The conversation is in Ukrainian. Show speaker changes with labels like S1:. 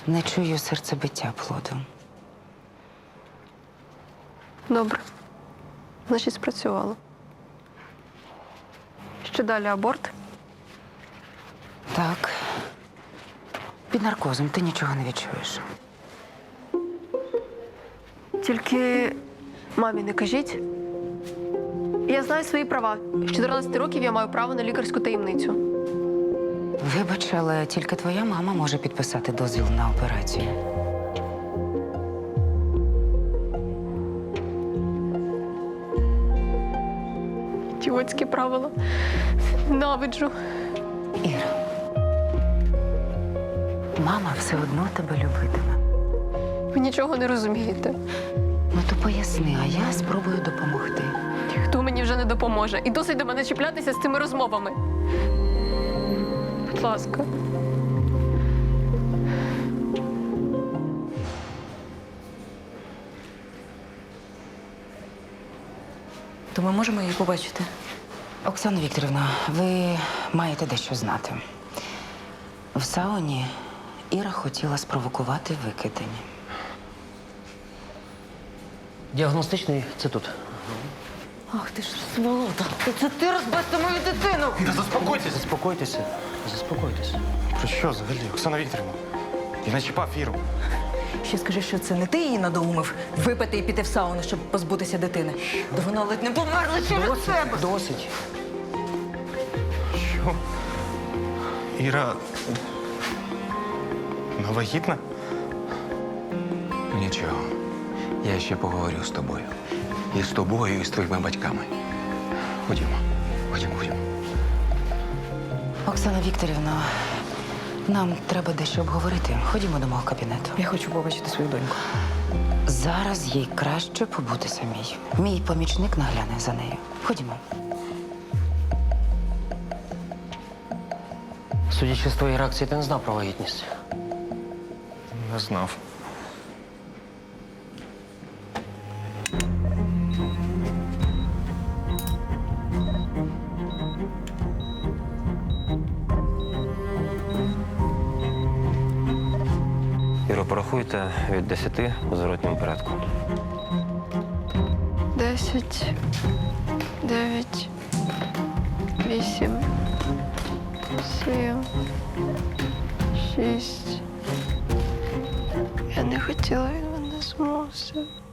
S1: Не чую серцебиття плоду.
S2: Добре. Значить, спрацювало. Що далі аборт?
S1: Так. Під наркозом ти нічого не відчуєш.
S2: Тільки мамі не кажіть. Я знаю свої права. З 14 років я маю право на лікарську таємницю.
S1: Вибач, але тільки твоя мама може підписати дозвіл на операцію.
S2: Ідіотські правила. Ненавиджу.
S1: Іра, мама все одно тебе любитиме.
S2: Ви нічого не розумієте.
S1: Ну то поясни, а я спробую допомогти.
S2: Хто мені вже не допоможе. І досить до мене чіплятися з цими розмовами. Будь ласка.
S3: То ми можемо її побачити?
S1: Оксана Вікторівна, ви маєте дещо знати. В сауні Іра хотіла спровокувати викидання.
S4: Діагностичний це тут.
S3: Ах ти ж сволота. Це ти розбився мою дитину!
S5: Та заспокойтесь!
S4: Заспокойтеся. Заспокойтеся.
S5: Про що взагалі, Оксана Вікторівна? Я не чіпав Іру.
S3: Ще скажи, що це не ти її надоумив випити і піти в сауну, щоб позбутися дитини. Та вона ледь не померла через себе.
S4: Досить.
S5: Що? Іра... вона вагітна?
S6: Нічого. Я ще поговорю з тобою. І з тобою, і з твоїми батьками. Ходімо. Ходімо.
S1: Оксана Вікторівна, нам треба дещо обговорити. Ходімо до мого кабінету.
S3: Я хочу побачити свою доньку.
S1: Зараз їй краще побути самій. Мій помічник нагляне за нею. Ходімо.
S4: Судячи з твоєї реакції, ти не знав про вагітність.
S5: Не знав.
S4: Іро, порахуйте від 10 у зворотньому порядку.
S2: 10, 9, 8, 7, 6. Я не хотіла, він мене змусив.